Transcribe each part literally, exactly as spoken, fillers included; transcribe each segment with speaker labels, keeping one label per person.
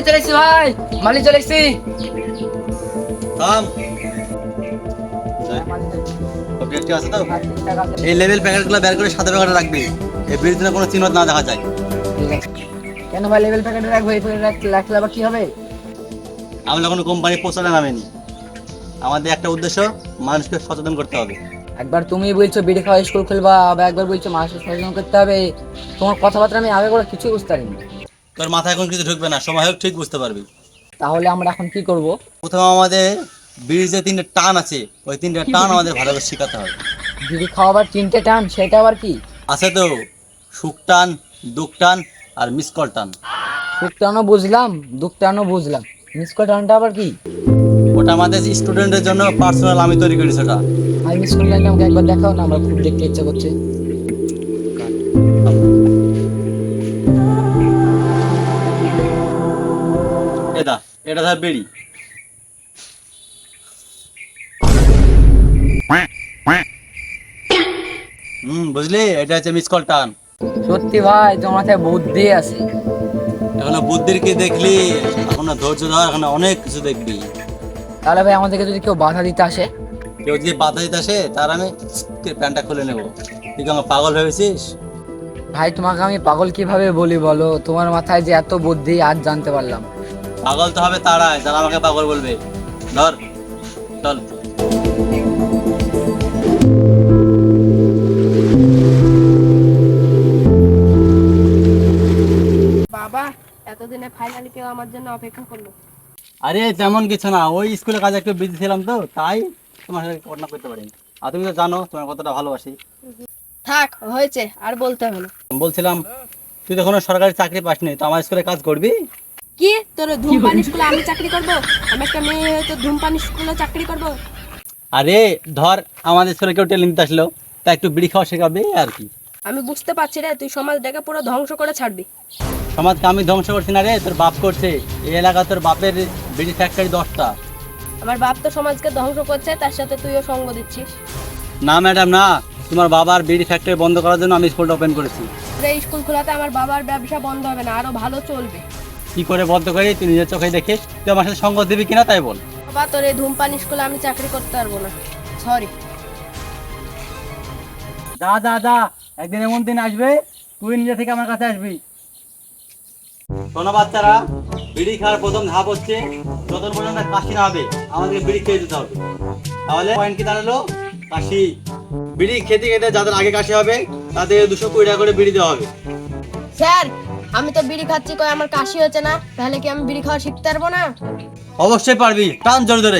Speaker 1: চলে এসছি ভাই, মালি চলে এসছি।
Speaker 2: থাম। ওকে, ঠিক আছে তো? এই লেভেল প্যাকেটগুলো বের করে সাদা প্যাকেটে রাখবি। এই বিড়ির জন্য কোনো চিহ্ন না দেখা যায়।
Speaker 1: ঠিক আছে। কেন ভাই লেভেল প্যাকেটে রাখবো? এই প্যাকেটে রাখলে আবার কি হবে?
Speaker 2: আমরা কোনো কোম্পানি প্রচারে নামেনি। আমাদের একটা উদ্দেশ্য, মানুষকে সচেতন করতে হবে।
Speaker 1: একবার তুমি বলছো বিড়ি খাওয়া স্কুল খুলবা, আবার একবার বলছো মানুষকে সচেতন করতে হবে। তোমার কথাবার্তা আমি আগে করে কিছুই বুঝতে পারিনি।
Speaker 2: তোর মাথায় এখন কিছু ঢুকবে না, সময় হোক ঠিক বুঝতে পারবি।
Speaker 1: তাহলে আমরা এখন কি করব?
Speaker 2: প্রথমে আমাদের বিড়ির যে তিনটে টান আছে, ওই তিনটে টান আমাদের ভালোভাবে শেখাতে হবে।
Speaker 1: বিড়ি খাওয়াবার তিনটে টান, সেটা আবার কি?
Speaker 2: আছে তো, সুখ টান, দুঃখ টান আর মিসকল টান।
Speaker 1: সুখ টানও বুঝলাম, দুঃখ টানও বুঝলাম, মিস কল টানটা আবার কি?
Speaker 2: ওটা আমাদের স্টুডেন্টের জন্য পার্সোনাল আমি তৈরি করেছি ওটা।
Speaker 1: ভাই মিস কল টানটা আমাকে একবার দেখাও না, আমার খুব দেখতে ইচ্ছা করছে।
Speaker 2: এটা এটা ধর বিড়ি। হুম, বুঝলি, এটা হচ্ছে মিসকল টান।
Speaker 1: সত্যি ভাই তোমার মাথায় বুদ্ধি আছে।
Speaker 2: এখনো বুদ্ধির কি দেখলি? এখনো ধৈর্য ধর, এখনো অনেক কিছু দেখবি।
Speaker 1: তাহলে ভাই আমাদেরকে যদি কেউ বাধা দিতে আসে?
Speaker 2: কেউ যদি বাধা দিতে আসে, তার আমি প্যান্টটা খুলে নেবো। তুই কি আমার পাগল ভেবেছিস?
Speaker 1: ভাই তোমাকে আমি পাগল কিভাবে বলি বলো? তোমার মাথায় যে এত বুদ্ধি আজ জানতে পারলাম।
Speaker 2: পাগল তো হবে তারাই যারা আমাকে পাগল বলবে। ধর, চল।
Speaker 3: বাবা, এতদিনে ফাইনালি কেউ আমার জন্য অপেক্ষা করলো।
Speaker 2: আরে তেমন কিছু না, ওই স্কুলে কাজে একটু বিজি ছিলাম তো, তাই তোমার সাথে ঘটনা করতে পারিনি। আর তুমি তো জানো তোমার কতটা ভালোবাসি।
Speaker 3: থাক, হয়েছে, আর বলতে হবে না।
Speaker 2: বলছিলাম, তুই তো কোনো সরকারি চাকরি পাসনি, তো আমার স্কুলে কাজ করবি?
Speaker 3: কি তোর ধূমপান স্কুলে আমি চাকরি করব? আমি একটা মেয়ে হয়ে তো ধূমপান স্কুলে চাকরি করব?
Speaker 2: আরে ধর, আমাদের স্কুলে কেউ ট্রেনিং নিতে আসলো, তা একটু বিড়ি খাওয়া শেখাবে আর কি।
Speaker 3: আমি বুঝতে পারছি রে, তুই সমাজটাকে পুরো ধ্বংস করে ছাড়বি।
Speaker 2: সমাজকে আমি ধ্বংস করছি না রে, তোর বাপ করছে। এই এলাকা তোর বাপের বিড়ি ফ্যাক্টরি দশটা।
Speaker 3: আমার বাপ তো সমাজকে ধ্বংস করছে, তার সাথে তুইও সঙ্গ দিচ্ছিস।
Speaker 2: না ম্যাডাম না, তোমার বাবার বিড়ি ফ্যাক্টরি বন্ধ করার জন্য আমি স্কুলটা ওপেন করেছি।
Speaker 3: তোর এই স্কুল খোলাতে আমার বাবার ব্যবসা বন্ধ হবে না, আরো ভালো চলবে।
Speaker 2: কি করে বন্ধ করি তুই নিজের চোখে দেখিস। তুই আমার সাথে সঙ্গ দিবি কিনা তাই বল।
Speaker 3: বাবা, তোর এই ধূমপান স্কুলে আমি চাকরি করতে পারবো না, সরি।
Speaker 2: দা দা দা একদিন এমন দিন আসবে, তুই নিজে থেকে আমার কাছে আসবি। শোনো বাচ্চারা, বিড়ি খাওয়ার প্রথম ধাপ হচ্ছে, যতক্ষণ পর্যন্ত কাশি না হবে আমাদেরকে বিড়ি খেয়ে দিতে হবে। তাহলে পয়েন্ট কি দাঁড়ালো? কাশি। বিড়ি খেতে খেতে যাদের আগে কাশি হবে তাদের দুশো কুড়ি টাকা করে বিড়ি দেওয়া হবে।
Speaker 3: স্যার, আমি তো বিড়ি খাচ্ছি, কই আমার কাশি হচ্ছে না, তাহলে কি আমি বিড়ি খাওয়া শিখতে পারবো না?
Speaker 2: অবশ্যই পারবি, টান জোরে ধরে।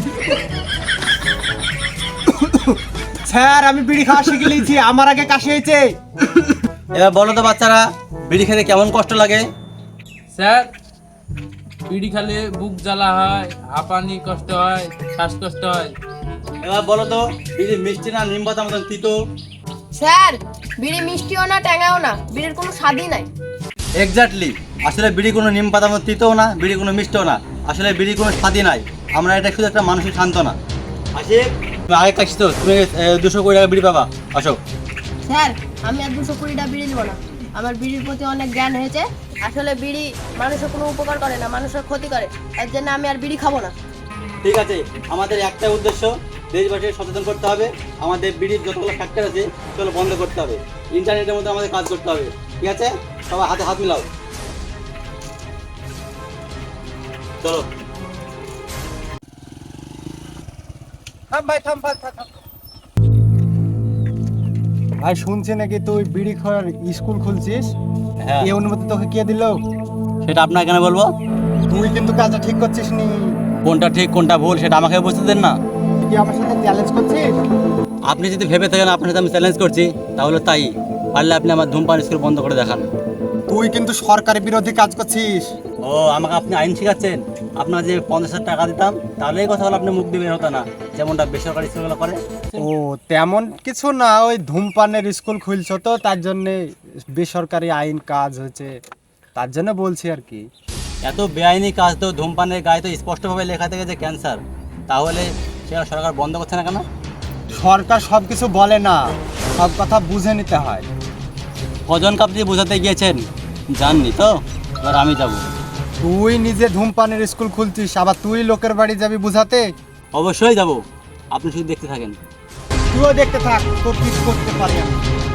Speaker 4: স্যার, আমি বিড়ি খাওয়া শিখে নিয়েছি, আমার আগে কাশি হয়েছে।
Speaker 2: এবার বলো তো বাচ্চারা, বিড়ি খেতে কেমন কষ্ট লাগে?
Speaker 5: স্যার, বিড়ি খেলে বুক জ্বালা হয়, হাঁপানি কষ্ট হয়, শ্বাসকষ্ট হয়।
Speaker 2: এবার বলো তো, বিড়ি মিষ্টি না নিম পাতা মতন তিতো?
Speaker 3: স্যার, বিড়ি মিষ্টিও না ট্যাঙাও না, বিড়ির কোনো স্বাদই নাই।
Speaker 2: এক্স্যাক্টলি, আসলে বিড়ি কোনো নিম পাতার মতো তিতও না, বিড়ি কোনো মিষ্টিও না, আসলে বিড়ি কোনো স্বাদই নাই। আমরা এটা শুধু একটা মানসিক সান্ত্বনা। আসে তুমি আগে কাশি তো, তুমি দুশো কুড়ি টাকা বিড়ি পাবা। আসো।
Speaker 3: স্যার, আমি আর দুশো কুড়িটা বিড়ি নেবো না, আমার বিড়ির প্রতি অনেক জ্ঞান হয়েছে। আসলে বিড়ি মানুষের কোনো উপকার করে না, মানুষের ক্ষতি করে, তার জন্য আমি আর বিড়ি খাবো না।
Speaker 2: ঠিক আছে, আমাদের একটাই উদ্দেশ্য, দেশবাসীকে সচেতন করতে হবে। আমাদের বিড়ির যতগুলো ফ্যাক্টরি আছে সেগুলো বন্ধ করতে হবে। ইন্টারনেটের মধ্যে আমাদের কাজ করতে হবে। ঠিক আছে, সবাই হাতে হাত মিলাও। চলো।
Speaker 4: থাম ভাই, থাম ভাই, থাম, থাম। ভাই শুনছি নাকি তুই বিড়ি খাওয়ার স্কুল খুলছিস?
Speaker 2: হ্যাঁ,
Speaker 4: এই অনুমতি তোকে কে দিল?
Speaker 2: সেটা আপনাকে কেন বলবো?
Speaker 4: তুই কিন্তু কাজটা ঠিক করছিস নি।
Speaker 2: কোনটা ঠিক কোনটা ভুল সেটা আমাকে বুঝতে দেন না।
Speaker 4: তুই কি আমার সাথে চ্যালেঞ্জ করছিস?
Speaker 2: আপনি যদি ভেবে থাকেন আপনার সাথে আমি চ্যালেঞ্জ করছি, তাহলে তাই। পারলে আপনি আমার ধূমপান স্কুল বন্ধ করে দেখান।
Speaker 4: তুই কিন্তু সরকারি বিরোধী কাজ করছিস।
Speaker 2: ও, আমাকে আপনি আইন শেখাচ্ছেন? আপনার যে পঞ্চাশ হাজার টাকা দিতাম তাহলে এই কথাগুলো আপনি মুখ দিয়ে বের হতো না, যেমনটা বেসরকারি স্কুলগুলো করে।
Speaker 4: ও তেমন কিছু না, ওই ধূমপানের স্কুল খুলছো তো তার জন্যে বেসরকারি আইন কাজ হয়েছে, তার জন্য বলছি আর কি।
Speaker 2: এত বেআইনি কাজ তো, ধূমপানের গায়ে তো স্পষ্টভাবে লেখা থাকে যে ক্যান্সার, তাহলে সেটা সরকার বন্ধ করছে না কেন?
Speaker 4: সরকার সব কিছু বলে না, সব কথা বুঝে নিতে হয়।
Speaker 2: কজন কাপ দিয়ে বোঝাতে গিয়েছেন জাননি তো, এবার আমি যাব।
Speaker 4: তুই নিজে ধূমপানের স্কুল খুলছিস, আবার তুই লোকের বাড়ি যাবি বুঝাতে?
Speaker 2: অবশ্যই যাব, আপনি শুধু দেখতে থাকেন।
Speaker 4: তুইও দেখতে থাক, তোর কিছু করতে পারি আমি।